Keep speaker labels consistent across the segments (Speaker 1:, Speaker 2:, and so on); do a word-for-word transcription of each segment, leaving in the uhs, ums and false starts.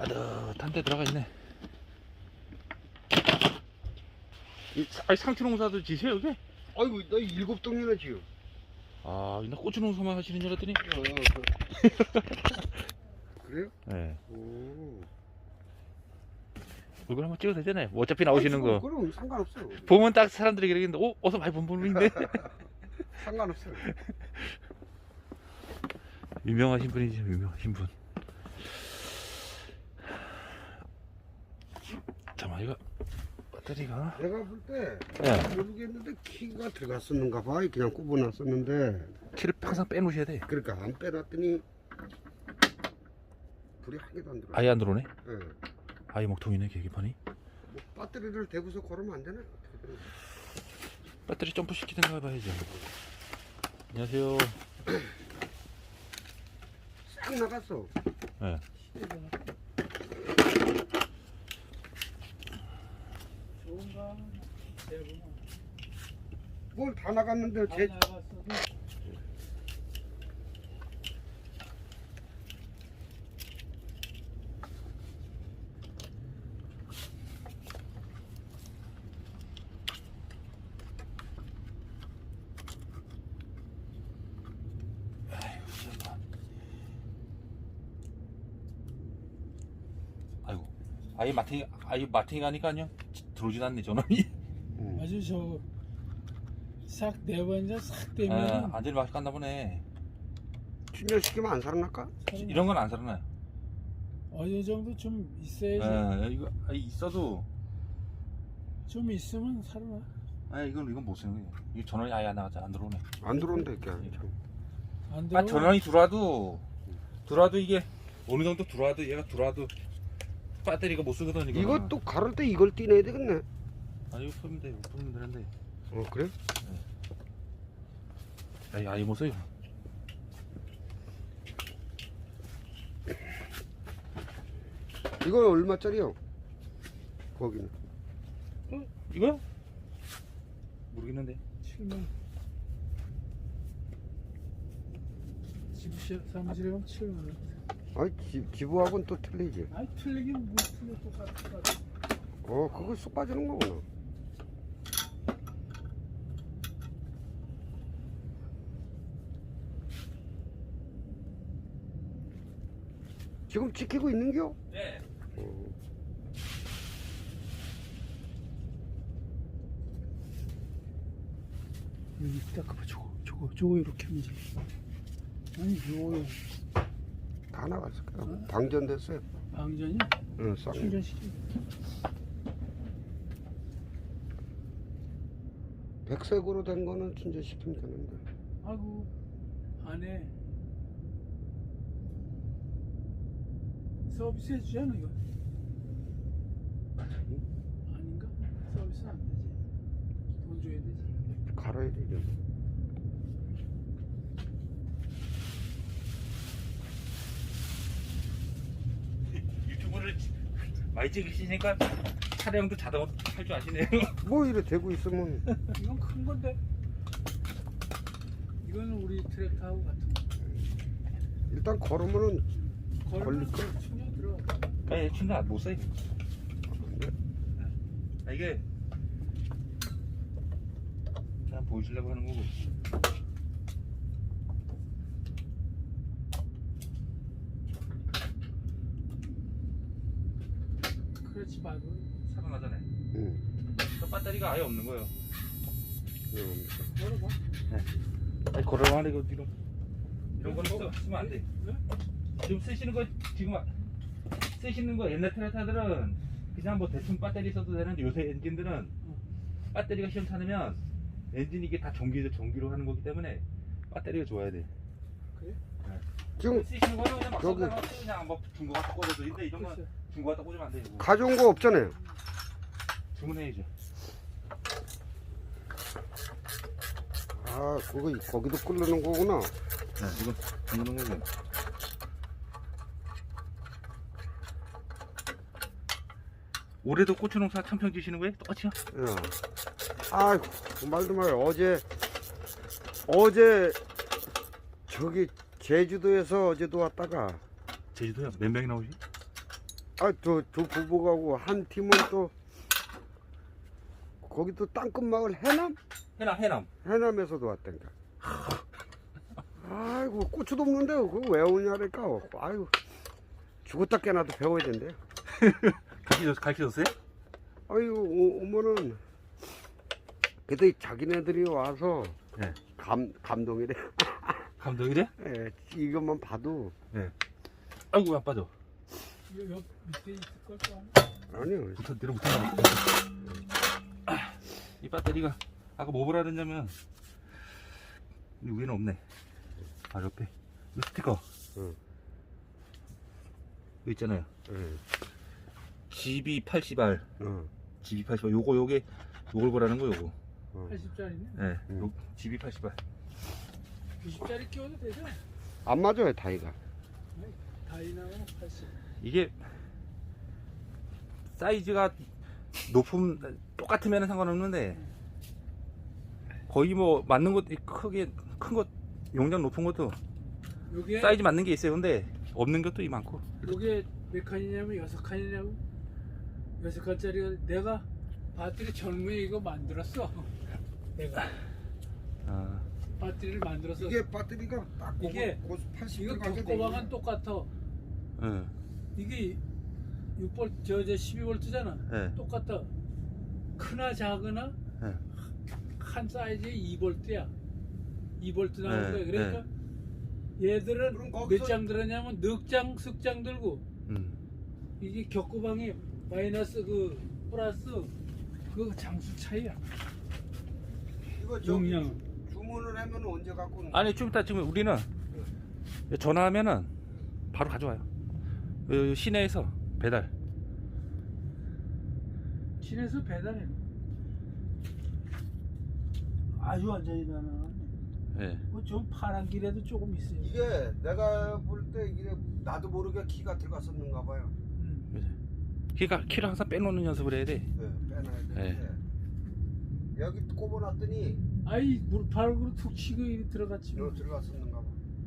Speaker 1: 따뜻한 데 들어가 있네. 이, 아니 상추 농사도 지세요 여기?
Speaker 2: 아이고 나 일곱 동이나 지요.
Speaker 1: 아, 나 고추 농사만 하시는 줄 알았더니.
Speaker 2: 어, 그래요?
Speaker 1: 네.
Speaker 2: 오.
Speaker 1: 얼굴 한번 찍어도 되잖아요. 뭐 어차피 나오시는 거.
Speaker 2: 그럼 상관없어요.
Speaker 1: 보면 딱 사람들이 그러겠는데, 오, 어서 많이 본 분인데.
Speaker 2: 상관없어요.
Speaker 1: 유명하신 분이죠, 유명하신 분. 잠깐만, 이거 배터리가.
Speaker 2: 내가 볼 때
Speaker 1: 네.
Speaker 2: 모르겠는데 키가 들어갔었는가 봐. 그냥 꼽아놨었는데.
Speaker 1: 키를 항상 빼놓으셔야 돼.
Speaker 2: 그러니까 안 빼놨더니 불이 한 개도 안 들어.
Speaker 1: 아예 안 들어오네.
Speaker 2: 네.
Speaker 1: 아예 먹통이네, 계기판이.
Speaker 2: 뭐 배터리를 대고서 걸으면 안 되나? 어떻게 되나?
Speaker 1: 배터리 점프 시키든가 해봐야죠. 안녕하세요.
Speaker 2: 싹 나갔어.
Speaker 1: 네.
Speaker 3: 좋은가? 대부분
Speaker 2: 뭘 다 나갔는데
Speaker 3: 다
Speaker 2: 제
Speaker 3: 나갔어도
Speaker 1: 아이고, 아예 마탱이, 아예 마탱이 가니까요. 들어오진 않네, 전원이.
Speaker 2: 응.
Speaker 3: 아주 저싹 내번져 싹
Speaker 1: 아,
Speaker 3: 되면
Speaker 1: 안전히 맛이 갔나 보네.
Speaker 2: 충전시키면 안 살아날까?
Speaker 1: 이런 건 안 살아나요.
Speaker 3: 어느 정도 좀 있어야지.
Speaker 1: 예, 이거 아, 있어도,
Speaker 3: 좀 있으면 살아나.
Speaker 1: 아, 이건 이건 못 쓰는 거예요. 이 전원이 아예 안 나가자, 안 들어오네.
Speaker 2: 안 들어온다니까.
Speaker 3: 안
Speaker 1: 아,
Speaker 3: 들어.
Speaker 1: 전원이 들어와도, 들어와도 이게 어느 정도 들어와도 얘가 들어와도 배터리가 못 쓰거든 이거.
Speaker 2: 이것도 가를 때 이걸 띄내야 되겠네.
Speaker 1: 아, 이거 풀면 돼, 이거 풀면 되는데.
Speaker 2: 어 그래?
Speaker 1: 아예 아예 못 써요.
Speaker 2: 이건 얼마짜리요? 거기는
Speaker 1: 어? 이거요? 모르겠는데.
Speaker 3: 칠만. 집시 사무실에 가면 칠만 원.
Speaker 2: 아이 기, 기부하고는 또 틀리지.
Speaker 3: 아이 틀리긴 뭐 틀려 똑같아. 똑같아.
Speaker 2: 어 그거 쑥 빠지는 거구나. 지금 지키고 있는겨?
Speaker 1: 네.
Speaker 2: 어.
Speaker 3: 여기 딱 봐봐. 저거 저거 저거 이렇게 하면 돼. 아니 요요
Speaker 2: 다 나갔을 거야. 방전됐어요.
Speaker 3: 방전이
Speaker 2: 응, 쌍.
Speaker 3: 충전시키.
Speaker 2: 백색으로 된 거는 충전시키면 되는데.
Speaker 3: 아이고 안에 서비스 해주잖아 이거. 아닌가? 서비스 안 되지. 돈 줘야 되지.
Speaker 2: 갈아야 되죠.
Speaker 1: 유튜브를 많이 찍으시니까 차량도 자동으로 할 줄 아시네요.
Speaker 2: 뭐 이래 대고 있으면
Speaker 3: 이건 큰 건데. 이거는 우리 트랙터하고 같은 거.
Speaker 2: 일단 걸으면은
Speaker 3: 걸리면
Speaker 2: 걸릴 거?
Speaker 3: 충전 들어가.
Speaker 1: 아니, 충전 못 써요.
Speaker 2: 네.
Speaker 1: 아, 이게 그냥 보여주려고 하는 거고.
Speaker 3: 그렇지 말고.
Speaker 1: 살아나잖아요.
Speaker 2: 응.
Speaker 1: 그 배터리가 아예 없는 거예요.
Speaker 2: 이겁니다.
Speaker 3: 걸어봐.
Speaker 1: 아니, 걸어가는 거 지금 이런 거는 써- 쓰면 안 돼.
Speaker 3: 네?
Speaker 1: 지금 쓰시는 거 지금 아- 쓰시는 거 옛날 트랙터들은 그냥 뭐 대충 배터리 써도 되는데 요새 엔진들은 배터리가 시험찮으면 엔진 이게 다 전기 전기로 하는 거기 때문에 배터리가 좋아야 돼.
Speaker 3: 그래?
Speaker 2: 지금
Speaker 1: 쓰시는 거는 그냥 막
Speaker 2: 저기-
Speaker 1: 써서 그냥 뭐 중고 갖다 꽂아도 되는데 이런 건
Speaker 3: 글쎄.
Speaker 1: 중고 갖다 꽂으면 안 돼. 이거.
Speaker 2: 가져온 거 없잖아요.
Speaker 1: 주문해야죠.
Speaker 2: 아 그거 거기도 끓는 거구나.
Speaker 1: 네, 이거 주문한 거죠. 올해도 고추 농사 참평 지시는 거예요? 똑같이요?
Speaker 2: 야. 아 말도 말요. 어제 어제 저기 제주도에서 어제도 왔다가
Speaker 1: 제주도요? 몇 명이 나오지?
Speaker 2: 아, 저, 저 부부하고 한 팀은 또 거기 또 땅끝마을 해남?
Speaker 1: 해남 해남.
Speaker 2: 해남에서도 왔다니까. 아이고 고추도 없는데 그거 왜 오냐니까. 아이고 죽었다 깨나도 배워야 된대요.
Speaker 1: 가르쳐 가르쳐줬어요?
Speaker 2: 아이고 오- 오면은 그래도 자기네들이 와서
Speaker 1: 네.
Speaker 2: 감 감동이래.
Speaker 1: 감독이래?
Speaker 2: 예, 이것만 봐도
Speaker 1: 아이고 왜 안 빠져?
Speaker 3: 이거 옆 밑에 있을 걸 거.
Speaker 2: 아니요.
Speaker 1: 붙어 내려 붙어나. 아, 이 배터리가 아까 뭐 보라 그랬냐면 이 위에는 없네. 아 옆에 이 스티커.
Speaker 2: 응.
Speaker 1: 이거 있잖아요.
Speaker 2: 예,
Speaker 1: 지비 팔십 알.
Speaker 2: 어,
Speaker 1: 지비 팔십 알. 요거 요게 요걸 보라는 거 요거.
Speaker 2: 어.
Speaker 3: 팔십 짜리네.
Speaker 1: 네.
Speaker 2: 음.
Speaker 1: 요 지비 팔십 알.
Speaker 3: 구십 짜리 끼워도 되죠?
Speaker 2: 안 맞아요 다이가.
Speaker 3: 다이나는 팔십.
Speaker 1: 이게 사이즈가 높음 똑같으면 상관없는데 거의 뭐 맞는 것 크게 큰 것 용량 높은 것도
Speaker 3: 요게
Speaker 1: 사이즈 맞는 게 있어요. 근데 없는 것도 이 많고.
Speaker 3: 요게 몇 칸이냐면 여섯 칸이냐고. 여섯 칸짜리가 내가 배터리 젊은이 이거 만들었어. 내가
Speaker 1: 아,
Speaker 3: 배터리를 만들어서
Speaker 2: 이게 배터리가 딱
Speaker 3: 이게
Speaker 2: 팔십
Speaker 3: 이거
Speaker 2: 가게 돼
Speaker 3: 격고방은
Speaker 2: 있네.
Speaker 3: 똑같아.
Speaker 1: 예,
Speaker 3: 이게 육 볼트 저저 십이 볼트잖아.
Speaker 1: 예,
Speaker 3: 똑같아. 크나 작으나
Speaker 1: 예.
Speaker 3: 한 사이즈에 이 볼트야. 이 볼트 나오는
Speaker 1: 네,
Speaker 3: 거야. 그러니까 얘들은
Speaker 2: 그럼 거기서-
Speaker 3: 몇 장 들었냐면 넉 장, 석 장 들고
Speaker 1: 음,
Speaker 3: 이게 격고방이 마이너스 그 플러스 그 장수 차이야.
Speaker 2: 이거 저기
Speaker 3: 용량.
Speaker 2: 주문을 하면 언제 갖고 오는
Speaker 1: 아니 좀 이따 지금 우리는 전화하면은 바로 가져와요. 요 시내에서 배달.
Speaker 3: 시내에서 배달해. 아주 완전히 나는
Speaker 1: 예.
Speaker 3: 뭐좀 파란 길에도 조금 있어요.
Speaker 2: 이게 내가 볼 때 이게 나도 모르게 키가 들어갔었는가 봐요.
Speaker 3: 음.
Speaker 1: 그러니까 키를 항상 빼놓는 연습을 해야 돼.
Speaker 2: 네, 빼놔야 되는데 여기 꼽아놨더니
Speaker 3: 아이 물파락으로 툭 치고 이리 들어갔지. 뭐.
Speaker 2: 너 들어갔었는가 봐.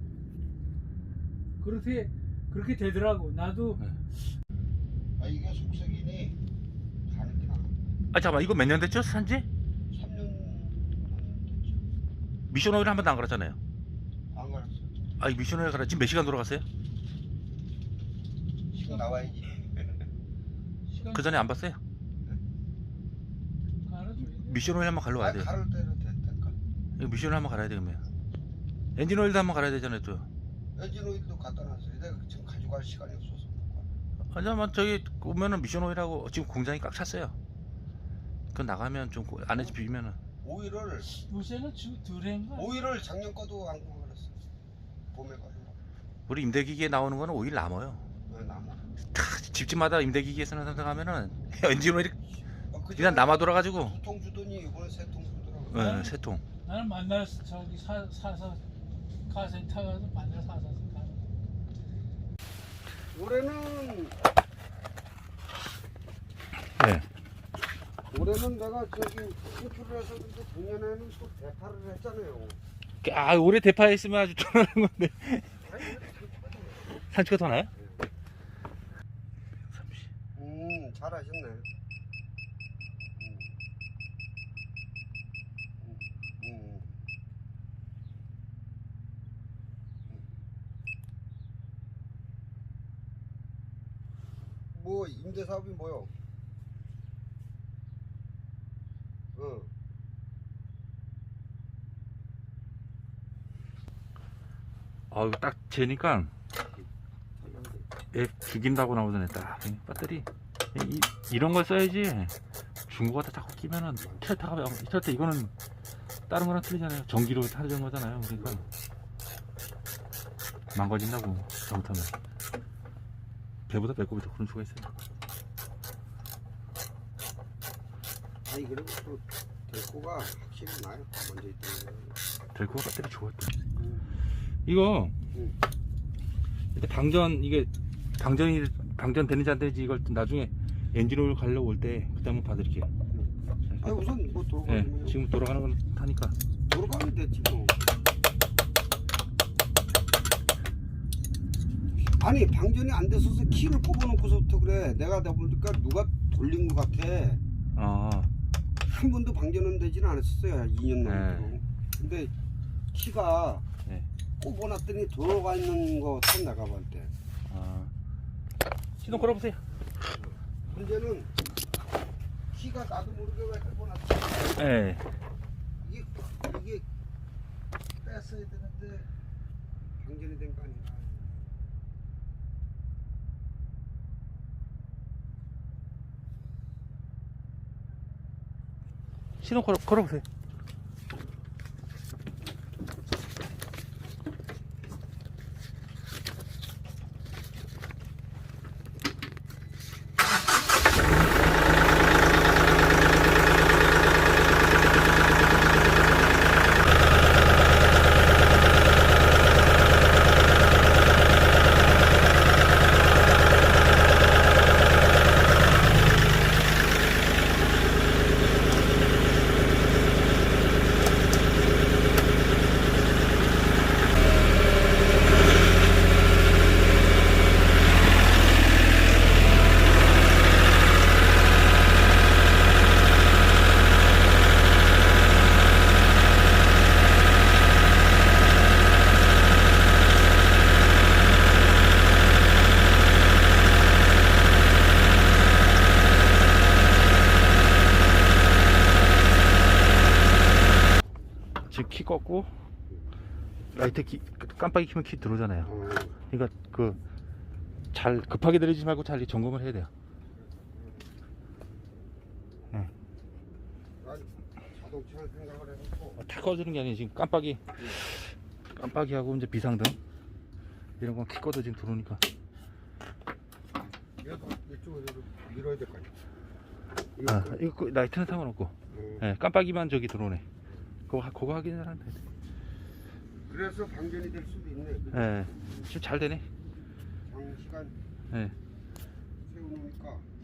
Speaker 3: 그렇게 그렇게 되더라고. 나도
Speaker 2: 아 이게 속색이니 가는 게 나아.
Speaker 1: 아 잠깐만 이거 몇 년 됐죠 산지?
Speaker 2: 삼 년 됐죠.
Speaker 1: 미션 오일 한 번도 안 갈았잖아요.
Speaker 2: 안 갈았어.
Speaker 1: 아 이 미션 오일 갈아 지금 몇 시간 돌아갔어요?
Speaker 2: 지금 나와야지.
Speaker 3: 시간
Speaker 1: 그 전에 안 봤어요?
Speaker 3: 갈아줘야 돼.
Speaker 1: 미션 오일 한번 갈러 와야
Speaker 2: 아,
Speaker 1: 돼요.
Speaker 2: 가를 때로 됐다니까.
Speaker 1: 이거 미션 오일 한번 갈아야 되겠네요. 엔진 오일도 한번 갈아야 되잖아요 또.
Speaker 2: 엔진 오일도 갖다 놨어요. 내가 지금 가져갈 시간이 없어서.
Speaker 1: 아 잠깐만 저기 오면은 미션 오일하고 지금 공장이 꽉 찼어요. 그 나가면 좀 안에서 비비면은
Speaker 2: 오일을
Speaker 3: 요새는 주 드레인가?
Speaker 2: 오일을 작년 거도 안 갈았어. 봄에 가지고.
Speaker 1: 우리 임대기기에 나오는 거는 오일 남아요.
Speaker 2: 네, 나무.
Speaker 1: 다 집집마다 임대기기에 쓰는 사람 가면은 엔진 오일이
Speaker 2: 아, 그전에
Speaker 1: 그냥 남아 돌아가지고
Speaker 2: 두 통 주더니 이번에 세 통 주더라고.
Speaker 1: 네, 세 통.
Speaker 3: 나는 만나서 저기 사, 사서 가센 타가서 만나 사서 가.
Speaker 2: 올해는
Speaker 1: 네.
Speaker 2: 올해는 내가 저기 수출을 했었는데 작년에는 또 대파를 했잖아요.
Speaker 1: 아 올해 대파했으면 아주 ton하는 건데 산치가 더 나요?
Speaker 2: 음, 잘하셨네. 음. 음, 음. 뭐 임대 사업이 뭐요? 어.
Speaker 1: 아유 딱 재니까 애 죽인다고 나오더네 딱 배터리 이, 이런 걸 써야지 중고가 자꾸 끼면은 트레타가 트레타 이거는 다른 거랑 틀리잖아요. 전기로 타는 거잖아요. 그러니까 망가진다고 잘못하면 배보다 배꼽이 더 그런 수가 있어요.
Speaker 2: 아니 그리고 또 데코가 확실히 나요. 먼저 있던
Speaker 1: 델코가 배터리 좋았다.
Speaker 2: 음.
Speaker 1: 이거
Speaker 2: 음.
Speaker 1: 일단 방전 이게 방전이 방전 되는지 안 되는지 이걸 나중에 엔진 오일 가려고 올 때 그때 한번 봐드릴게요.
Speaker 2: 아 우선 뭐
Speaker 1: 네,
Speaker 2: 돌아가면
Speaker 1: 지금 돌아가는 건 타니까.
Speaker 2: 돌아가면 됐지 뭐. 아니 방전이 안 됐어서 키를 꼽아놓고서부터 그래. 내가 다 보니까 누가 돌린 것 같아.
Speaker 1: 어.
Speaker 2: 한 번도 방전은 되지는 않았었어요. 이 년 넘도록.
Speaker 1: 네.
Speaker 2: 근데 키가
Speaker 1: 네.
Speaker 2: 꼽아놨더니 들어가 있는 거 같아 내가 볼 때.
Speaker 1: 어. 시동 걸어보세요.
Speaker 2: 문제는 키가 나도 모르게 왜 꼽아놨지.
Speaker 1: 네.
Speaker 2: 이게 이게 뺐어야 되는데 방전이 된 거 아닌가.
Speaker 1: 시동 걸어, 걸어보세요. 지금 키 껐고 라이트 키 깜빡이 키면 키 들어오잖아요.
Speaker 2: 어.
Speaker 1: 그러니까 그 잘 급하게 내리지 말고 잘 점검을 해야 돼요.
Speaker 2: 난 자동차를 생각을 해놓고
Speaker 1: 다 꺼주는 게 아니에요. 지금 깜빡이 깜빡이하고 이제 비상등 이런 건 키 꺼도 지금 들어오니까.
Speaker 2: 이거 이쪽으로 밀어야 될 거 아니야.
Speaker 1: 아, 이거 그 라이트는 상관없고,
Speaker 2: 어.
Speaker 1: 예, 깜빡이만 저기 들어오네. 그거 하- 그거 확인을 하면 돼.
Speaker 2: 그래서 방전이 될 수도 있네. 그죠?
Speaker 1: 예, 지금 잘 되네.
Speaker 2: 장시간
Speaker 1: 예.
Speaker 2: 세워놓으니까